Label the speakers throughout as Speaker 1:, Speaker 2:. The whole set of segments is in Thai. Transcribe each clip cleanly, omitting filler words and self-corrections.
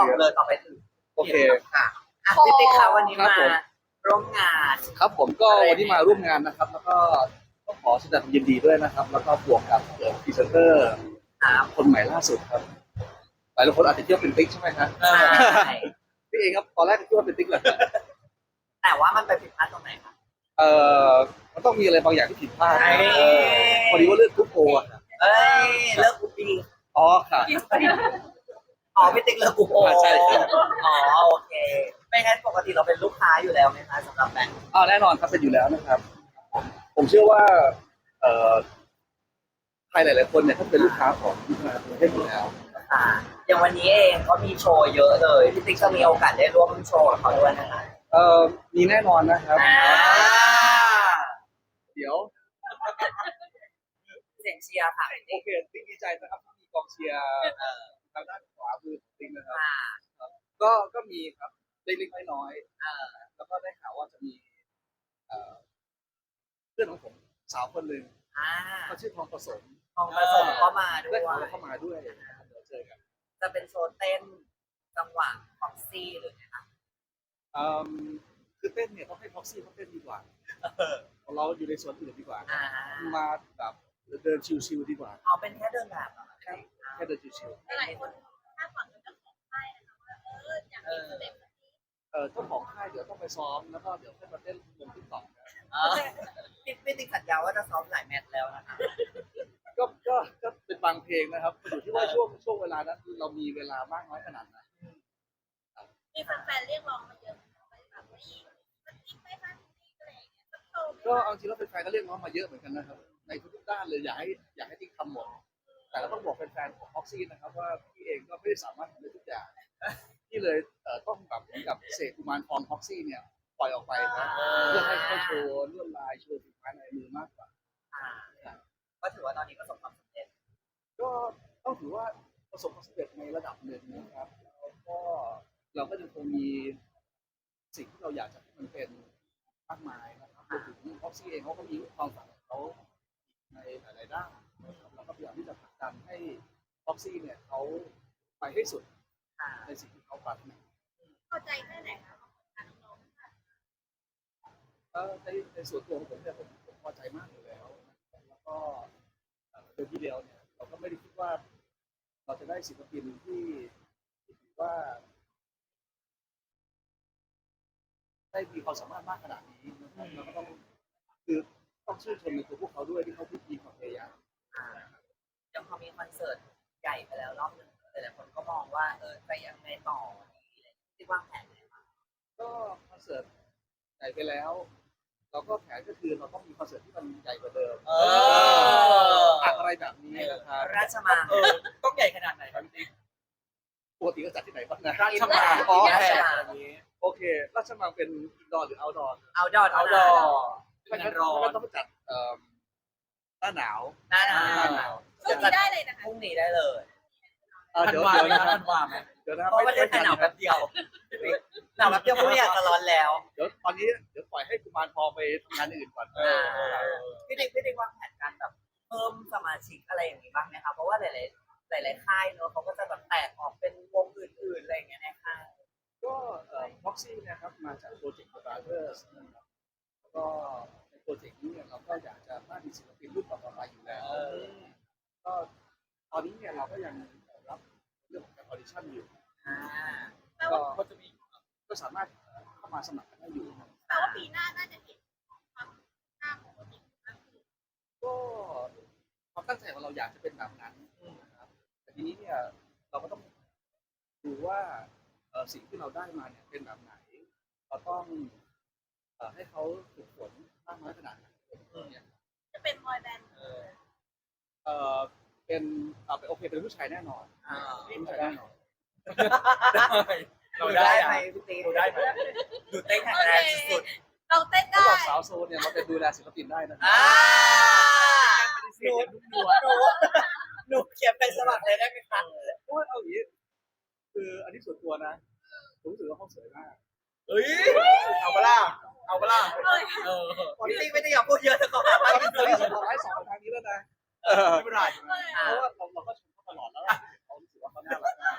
Speaker 1: เลยต่อไปถึง
Speaker 2: โอเค
Speaker 1: ค่ะพี่ติ๊กคะวันนี้
Speaker 2: ครับ
Speaker 1: มา
Speaker 2: ผม
Speaker 1: ร่วมงาน
Speaker 2: ครับผมก็วันนี้มาร่วมงานนะครับ แล้วก็ต้องขอแสดงความยินดีด้วยนะครับ แล้วก็บวกกับพรีเซนเตอร์
Speaker 1: ครับ
Speaker 2: คนใหม่ล่าสุดครับหลายคนอาจจะคิดว่าเป็นติ๊กใช่ไหมครับ
Speaker 1: ใช่
Speaker 2: พี่เองครับตอนแรกคิดว่าเป็นติ๊กเลย
Speaker 1: แต่ว่ามันไปผิดพลาดตรงไหนคะ
Speaker 2: เอ่มันต้องมีอะไรบางอย่างที่ผิดพลาด
Speaker 1: เอ้ย
Speaker 2: พอดีว่าเลือกกรุ๊ปโออะครับ
Speaker 1: เอ้ยเลิกกูปี
Speaker 2: อ๋อค่ะ
Speaker 1: อ๋อพี่ติ๊กเลิกกูโอ
Speaker 2: ใช่ครับ
Speaker 1: อ๋อโอเคไม่งั้นปกติเราเป็นลูกค้าอยู่แล้วไหมคะสำหรับแบงค์
Speaker 2: แน่นอนครับเป็นอยู่แล้วนะครับ ผมเชื่อว่าใครหลายๆคนเนี่ยถ้าเป็นลูกค้าของประเทศอยู่แล้ว
Speaker 1: ค่ะอย่างวันนี้เองก็มีโชว์เยอะเลยพี่ติ๊กจะมีโอกาสได้ร่วมโชว์กับเขาด้วยนะคะ
Speaker 2: มีแน่นอนนะครับ
Speaker 1: อ่า
Speaker 2: เดี๋ยว
Speaker 1: เสียงเชียร์ค่ะพี่
Speaker 2: โอ
Speaker 1: ติ๊ก
Speaker 2: เคติ๊กดีใจนะครับที่มีกองเชียร์ทางด้านขวามือของติ๊กนะครับ
Speaker 1: ค่ะ
Speaker 2: ก็มีครับเล็กๆน้อย
Speaker 1: เออ
Speaker 2: ๆแล้วก็ได้ข่าวว่าจะมีเอ่อเพื่อนของผมสาวคนหนึ่ง
Speaker 1: อ่า
Speaker 2: เขาชื่อทองผสม
Speaker 1: ทองผสมก็มาด้ว
Speaker 2: ได้
Speaker 1: ย
Speaker 2: ข่าวว่าเข้ามาด้วยเดี๋ยวเจอกัน
Speaker 1: จะเป็นโชว์เต้นจังหวะของซี่หรือไงคะ
Speaker 2: คือเต้นเนี่ยต้องให้พ็อกซี่เขาเต้นดีกว่าเราอยู่ในส่วนอื่นดีกว่า
Speaker 1: อ่า
Speaker 2: มาแบบเดินชิวๆดีกว่า
Speaker 1: เอาเป็นแค่เดินแบบเหรอ
Speaker 2: แค่เดินชิว
Speaker 3: หลายคนคาดหวังกับเจ้าของค่ายนะคะว่าอยากมีสเต็ปแบบนี้
Speaker 2: เจ้าของค่ายเดี๋ยวต้องไปซ้อมแล้วก็เดี๋ยวค่อยมาเต้นลงติ๊กต็อกนะ
Speaker 1: เออพี่ติ๊กสัญญาว่าจะซ้อมหลายแมตช์แล้วนะคะ
Speaker 2: ก็เป็นบางเพลงนะครับอยู่ที่ว่าช่วงเวลานั้นเรามีเวลามากน้อยขนาดไหน
Speaker 3: มีแฟนๆเรียกร้องมาเยอะไปแบบว่าอีกมันอีกไม่ทันอีกอะไรอย่างเงี้ยสักโชว์
Speaker 2: ก็เอาจริงแล้วแฟนๆก็เรียกร้องมาเยอะเหมือนกันนะครับในทุกๆด้านเลยอยากให้ติ๊กทำหมดแต่ก็ต้องบอกแฟนๆของพ็อกซี่นะครับว่าพี่เองก็ไม่ได้สามารถทำได้ทุกอย่างที่เลยต้องแบบเหมือนกับเสกกุมารทองพ็อกซี่เนี่ยปล่อยออกไปนะเพื่อให้เขาโชว์ลวดลายโชว์ฝีไม้ลายมือมากกว่า
Speaker 1: อ่าก็ถือว่าตอนนี้ประสบความสำเร็จ
Speaker 2: ก็ต้องถือว่าประสบความสำเร็จในระดับหนึ่งนะครับแล้วก็เราก็ยังคงมีสิ่งที่เราอยากจะให้มันเป็นมากมายนะครับรวมถึงพ็อกซี่เองเขาก็มีความฝันของเขาในหลายๆด้านนะครับเราก็พยายามที่จะผลักดันให้พ็อกซี่เนี่ยเขาไปให้สุด
Speaker 1: ค่ะ
Speaker 2: ในสิ่งที่เขาปรารถนา
Speaker 3: พอใจแค่ไหนคะของการน้องๆค่ะ
Speaker 2: ในส่วนตัวของผมเนี่ยผมพอใจมากอยู่แล้วนะครับแล้วก็โดยที่เดียวเนี่ยเราก็ไม่ได้คิดว่าเราจะได้ศิลปินที่ถือว่าได้มีความสามารถมากขนาดนี้นะครับเราก็ต้องชื่นชมในตัวพวกเขาด้วยที่เขามีความพยายาม
Speaker 1: ยังพอมีคอนเสิร์ตใหญ่ไปแล้วรอบหนึ่งหลายๆคนก็มองว่าจะยังไงต่อที่วางแผนไงบ้าง
Speaker 2: ก็คอนเสิร์ตใหญ่ไปแล้ว เราก็แผนก็คือเราต้องมีคอนเสิร์ตที่มันใหญ่กว่าเดิมอะไรแบบนี้นะครับ
Speaker 1: ราชมัง
Speaker 4: ต้องใหญ่ขนาดไหนครับพี่ติ๊ก
Speaker 2: ปกติก็จัดที่ไหนบ้างนะ
Speaker 4: ราชมัง
Speaker 2: อ๋อ
Speaker 1: ราช
Speaker 4: แพ
Speaker 1: มัง
Speaker 4: แบบนี้
Speaker 2: โอเคราชมังเป็นอินดอร์หรือเอาท์ดอร์
Speaker 1: เอาดอ
Speaker 4: เอา
Speaker 1: ด
Speaker 4: ดอ
Speaker 2: ไม่
Speaker 4: เป็
Speaker 2: งั้
Speaker 4: น
Speaker 2: น
Speaker 4: ร้อน
Speaker 2: ต้องไปจัดหน้าหนาว
Speaker 1: หน้าหนาว
Speaker 3: ช่วงนี้ได้เลยนะคะ
Speaker 1: พรุ่งนี้ได้เลย
Speaker 4: ทัน
Speaker 2: เดี๋ยว
Speaker 4: วา
Speaker 2: เดี๋ยว
Speaker 4: ไหม
Speaker 2: นะ
Speaker 4: ทันวาไหม
Speaker 2: เดี๋ยวนะ
Speaker 1: เพราะประเทศไทยหนาวแป๊บเดียวหนาวแป๊บเดียวพรุ่งนี้อาจจะร้อนแล้ว
Speaker 2: เดี๋ยวตอนนี้เดี๋ยวปล่อยให้กุมารทองไปทำงานอื่นก่อน
Speaker 1: พี่ติ๊กวางแผนการแบบเพิ่มสมาชิกอะไรอย่างนี้บ้างไหมคะเพราะว่าหลายค่ายเนอะเขาก็จะแบบแตกออกเป็นวงอื่นๆอะไรอย่างเงี้ยในค่าย
Speaker 2: ก็พ็อกซี่นะครับมาจากโปรเจกต์ Brothers นะครับแล้วก็ในโปรเจกต์นี้เนี่ยเราก็อยากจะสร้างมีศิลปินรุ่นต่อๆไปอยู่แล้วก็ตอนนี้เนี่ยเราก็ยังรับเรื่องของการออดิชั่นอยู่
Speaker 3: แปล
Speaker 2: ก็
Speaker 3: ว่า
Speaker 2: ก็จะมีก็สามารถเข้ามาสมัครกันได้อยู่ครับ
Speaker 3: แปลว่าปีหน้าน่าจะเห็นความหน้าของโปรเจกต์มากขึ้น
Speaker 2: ก็ความตั้งใจของเราอยากจะเป็นแบบนั้นนะครับแต่ทีนี้เนี่ยเราก็ต้องดูว่าสิ่งที่เราได้มาเนี่ยเป็นแบบไหนเราต้องให้เขาฝึกฝนมากน้อยขนาดไหนเนี่ย
Speaker 3: จะเป็นบอยแบนด์
Speaker 2: เป็นโอเคเป็นผู้ชายแน่นอนเป็นผู้ชายแน่นอน
Speaker 4: เราได้
Speaker 1: ไหม
Speaker 4: อะ
Speaker 1: พี่ติ๊ก
Speaker 4: เราได้ไหม
Speaker 1: ดูเต้นแข็งแรงสุด
Speaker 3: เราเต้น
Speaker 2: เขา
Speaker 3: ได้
Speaker 2: บอกสาวโซนเนี่ยเราเป็นดูแลศิลปินได้นะ
Speaker 1: ๆหนูเขียนไปสมัครเลยได้ไหมคะ
Speaker 2: โอ้ยเอาอย่างนี้คืออันนี้ส่วนตัวนะผมรู้สึกว่าเขาสวยมาก
Speaker 4: เฮ้ยเอาปะล่ะเอาปะล่ะเออ
Speaker 1: พี่ติ๊กไม่ได้อยากพูดเยอะแต่เขาหาว่า
Speaker 2: ตอน
Speaker 1: พี่
Speaker 2: นี้
Speaker 1: ติ๊ก
Speaker 2: ส่งไลฟ์สองทางนี้แล้วนะ
Speaker 4: ไม่เป็นไร
Speaker 2: เพราะว่าเราก็ชมเขาตลอดแล้วเรารู้สึกว่าเขาน่ารักมาก
Speaker 4: แต่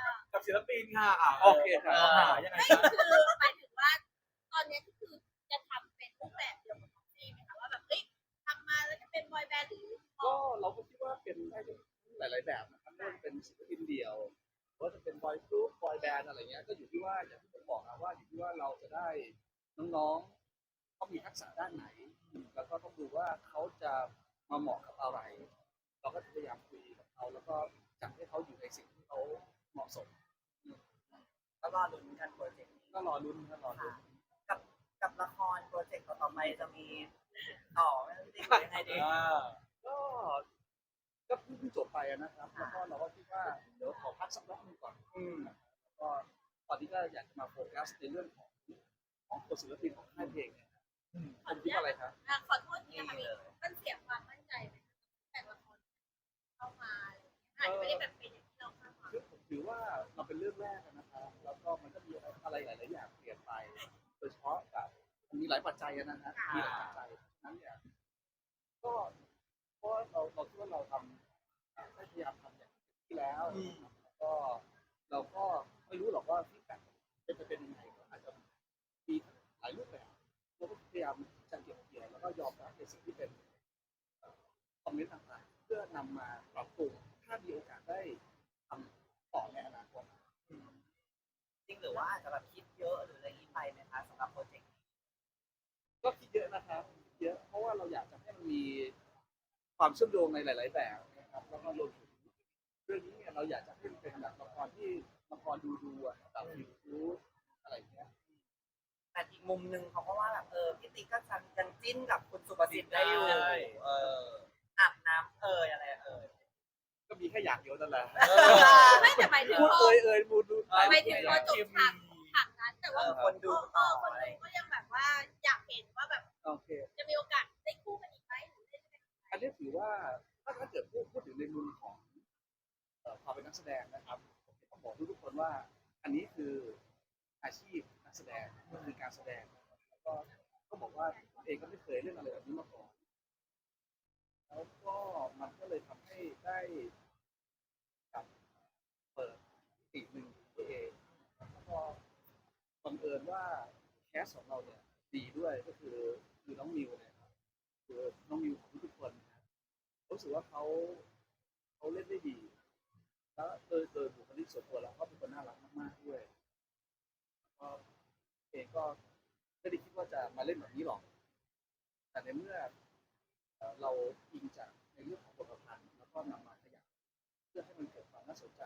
Speaker 4: กับศิลปินค่ะอ่ะ
Speaker 2: โอเคครับ
Speaker 4: ยังไง
Speaker 3: ไม่
Speaker 4: คะ
Speaker 3: คือหมายถึงว่าตอนนี้ก็คือจะทำเป็นรูปแบบเดียวกับของพี่ไหมคะว่าแบบเฮ้ยทำมาแล้วจะเป็นบอยแบนด์หรือ
Speaker 2: ก็เราก็คิดว่าเป็นได้หลาย ๆ แบบนะครับไม่ว่าจะเป็นศิลปินเดี่ยวหรือว่าจะเป็นบอยกรุ๊ปบอยแบนด์อะไรเงี้ยก็อยู่ที่ว่าอย่างที่ผมบอกนะว่าอยู่ที่ว่าเราจะได้น้องๆเขามีทักษะด้านไหน แล้วก็ต้องดูว่าเขาจะมาเหมาะกับอะไร เราก็พยายามคุยกับเขาแล้วก็จัดให้เขาอยู่ในสิ่งที่เขาเหมาะสม
Speaker 1: ก็รอลุ้นกันโปรเจกต์นี้
Speaker 2: ก็รอลุ้นครับรอลุ้น
Speaker 1: กับกับละครโปรเจกต์ต่อไปจะมีต่อไหมพี่ติ๊กยังไงดี
Speaker 2: ก็เพิ่งจบไปนะครับแล้วก็เราก็คิดว่าเดี๋ยวขอพักสักรอบหนึงก่อนแล้วก็ตอนนี้ก็อยากจะมาโฟกัสในเรื่องของตัวศิลปินของค่ายเพลงเนี่ยคุณคิดว่าอะไรครับ
Speaker 3: ขอโทษทีนะคะมันเสียความมั่นใจไหมแต่ละคนเข้ามาอาจจะไม่ได้แบบเป็นอย่างที่เราคาดหวัง
Speaker 2: คือผมถือว่าเราเป็นเรื่องแรกนะครับแล้วก็มันก็มีอะไรหลาย ๆ อย่างเปลี่ยนไป โดยเฉพาะกับมันมีหลายปัจจัยนะฮะมีหลายปัจจัยนั้นเนี่ยก็เพราะเราคิดว่าเราทำได้พยายามทำอย่างที่แล้วแล้วก็เราก็ไม่รู้หรอกว่าฟีดแบ็กจะเป็นยังไงก็อาจจะมีหลายรูปแบบเราก็พยายามจะเก็บเกี่ยวแล้วก็ยอมรับในสิ่งที่เป็นคอมเมนต์ต่าง ๆ เพื่อนำมาปรับปรุงถ้ามีโอกาสได้ทำต่อในอนาคต
Speaker 1: จริงหรือว่าอาจจะแบบคิดเยอะหรืออะไรอย่างนี้ไปไหมคะสำหรับโปรเจกต์นี้
Speaker 2: ก็คิดเยอะนะครับเยอะเพราะว่าเราอยากจะให้มันมีความเชื่อมโยงในหลาย ๆ แบบนะครับแล้วก็รวมถึงเรื่องนี้เนี่ยเราอยากจะให้มันเป็นแบบละครที่ละครดูอ่ะแบบยูอะไรอย่างเงี้ย
Speaker 1: แต่อีกมุมหนึ่งเขาก็ว่าแบบพี่ติ๊กก็ยังจิ้นกับคุณสุประสิทธิ์ได้อยู่อาบน้ำอะไร
Speaker 2: ก็มีแค่อย่างเดียวนั่นแหละ
Speaker 3: ไม่แต่หมายถึง
Speaker 2: พูด
Speaker 3: พอ
Speaker 2: พูดดู
Speaker 3: หมายถึงพอจบฉากนั้นแต่ว่า
Speaker 1: คนดู
Speaker 3: คนดูก็ยังแบบว่าอยากเห็นว่าแบบ
Speaker 2: โอเค
Speaker 3: จะมีโอกาสได้คู่กันอีกไหมหรือได้
Speaker 2: อันนี้ถือว่าถ้าเกิดพูดถึงในมุมของความเป็นนักแสดงนะครับผมต้องบอกทุกคนว่าอันนี้คืออาชีพนักแสดงมันคือการแสดงแล้วก็ต้องบอกว่าผมเองก็ไม่เคยเล่นอะไรแบบนี้มาก่อนแล้วก็มันก็เลยทำให้ได้กับเปิดอีกหนึ่งตัวเองแล้วก็บังเอิญว่าแคสของเราเนี่ยดีด้วยก็คือน้องมิวเนี่ยครับคือน้องมิวของทุกคนนะรู้สึกว่าเขาเล่นได้ดี แล้วโดยบุคลิกส่วนตัวแล้วเขาเป็นคนน่ารักมากๆด้วยก็เองก็ไม่ได้คิดว่าจะมาเล่นแบบนี้หรอก แต่ในเมื่อเราอิงจากในเรื่องของบทประพันธ์แล้วก็นำมาขยับเพื่อให้มันเกิดความน่าสนใจ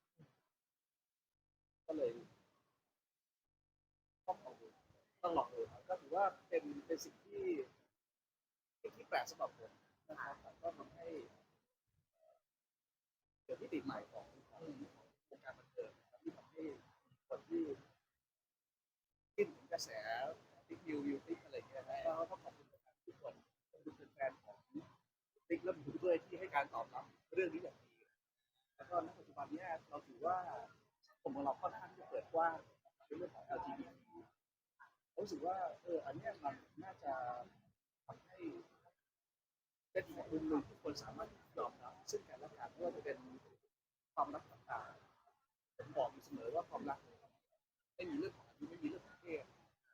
Speaker 2: ก็เลยต้องลองดูครับก็ถือว่าเป็นสิ่งที่แปลกสำหรับผมนะครับแต่ก็ทำให้เกิดมิติใหม่ของวงการบันเทิงนะครับที่ทำให้คนที่ขึ้นถึงกระแสติ๊กวิวติ๊กอะไรเงี้ยนะก็ต้องขอบคุณทุกคนขอบคุณแฟนของติ๊กและบูด้วยที่ให้การตอบรับเรื่องนี้อย่างดีแล้วก็ณปัจจุบันนี้เราถือว่าสังคมของเราค่อนข้างที่จะเปิดกว้างในเรื่องของ LGBT รู้สึกว่าอันนี้มันน่าจะทำให้เป็นอีกมุมหนึ่งที่คนสามารถยอมรับซึ่งกันและกันไม่ว่าจะเป็นความรักต่างๆผมบอกอยู่เสมอว่าความรักไม่มีเรื่องของอายุไม่มีเรื่องของเพศ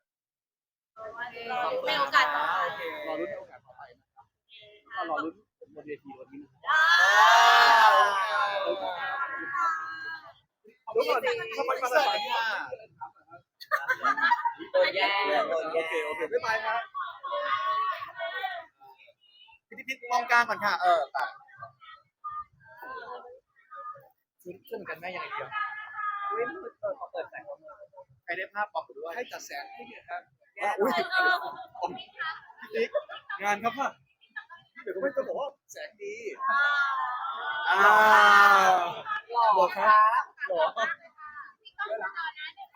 Speaker 3: ในโอกาสต่อไป
Speaker 2: รอรุ้นในโอกาสต่อไปนะครับก็รอรุ้นผมบนเวทีวันนี้นะครับเดี๋ยวก่อนทำไมมาสายเนี่ย
Speaker 1: ตัวแย่
Speaker 2: โอเคไม่ไปครับ
Speaker 4: พิมองกลางก่อนค่ะขึ้นกันแม่ยังไงเดียว
Speaker 1: เขาเปิดแสง
Speaker 4: ใครได้ภาพบอกด้วย
Speaker 2: ให้จัดแสงให้เนี่ยครับ
Speaker 4: อุ้ยติ๊กงานครับป่ะ
Speaker 2: เดี๋ยวก็ไม่ต้องบอกว่าแสงดี
Speaker 4: หล่อครับหล่อ